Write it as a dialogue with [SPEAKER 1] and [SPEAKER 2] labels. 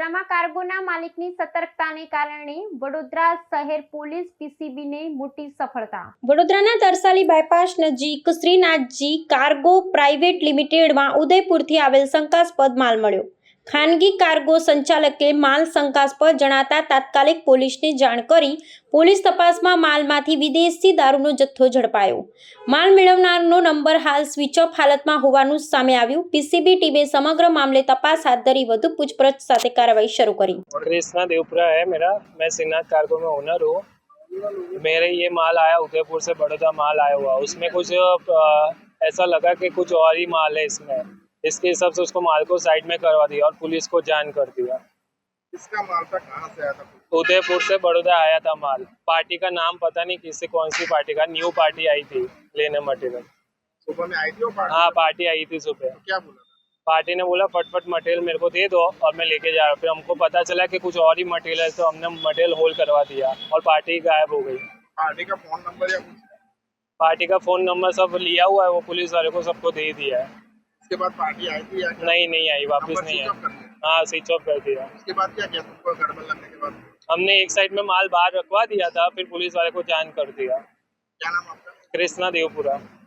[SPEAKER 1] વડોદરામાં કાર્ગોના માલિકની સતર્કતાને કારણે વડોદરા શહેર પોલીસ પીસીબીને મોટી સફળતા। વડોદરાના તરસાલી બાયપાસ નજીક શ્રીનાથજી કાર્ગો પ્રાઇવેટ લિમિટેડમાં ઉદયપુરથી આવેલ શંકાસ્પદ માલ મળ્યો। ખાનગી કાર્ગો સંચાલકે માલ શંકાસ્પદ જણાતા તાત્કાલિક પોલીસને જાણ કરી પોલીસ તપાસમાં માલમાંથી વિદેશી દારૂનો જથ્થો ઝડપાયો। માલ મેળવનારનો નંબર હાલ સ્વિચ ઓફ હાલતમાં હોવાનું સામે આવ્યું। પીસીબી ટીમે समग्र मामले तपास हाथ धरी વધુ पूछपरछ साथे कार्रवाई शुरू करी।
[SPEAKER 2] कृष्णा देवपुरा है मेरा, मैं श्रीनाथ कार्गो में ओनर हूँ। मेरे ये माल आया उदयपुर से बड़ौदा माल आया हुआ, उसमें कुछ ऐसा लगा कि कुछ और ही माल है इसमें, इसके हिसाब से उसको माल को साइड में करवा दिया और पुलिस को जान कर दिया।
[SPEAKER 3] इसका माल था कहाँ से आया था?
[SPEAKER 2] उदयपुर से बड़ौदा आया था माल। पार्टी का नाम पता नहीं किससे, कौन सी पार्टी का, न्यू पार्टी आई थी लेने मटेरियल।
[SPEAKER 3] सुबह में आई थी वो पार्टी?
[SPEAKER 2] हाँ, पार्टी आई थी सुबह।
[SPEAKER 3] तो क्या बोला?
[SPEAKER 2] पार्टी ने बोला फटफट मटेरियल मेरे को दे दो और मैं लेके जा रहा हूँ। फिर हमको पता चला कि कुछ और ही मटेरियल है, तो हमने मटेरियल होल्ड करवा दिया और पार्टी गायब हो गई।
[SPEAKER 3] पार्टी का फोन नंबर या कुछ?
[SPEAKER 2] पार्टी का फोन नंबर सब लिया हुआ है, वो पुलिस वाले को सबको दे दिया है।
[SPEAKER 3] उसके बाद पार्टी आई थी या
[SPEAKER 2] नहीं आई, वापस नहीं आई। हाँ, स्विच ऑफ कर दिया।
[SPEAKER 3] उसके बाद क्या किया तुमको गड़बड़ लगने के बाद?
[SPEAKER 2] हमने एक साइड में माल बाहर रखवा दिया था, फिर पुलिस वाले को जान कर दिया।
[SPEAKER 3] क्या नाम आपका?
[SPEAKER 2] कृष्णा देवपुरा।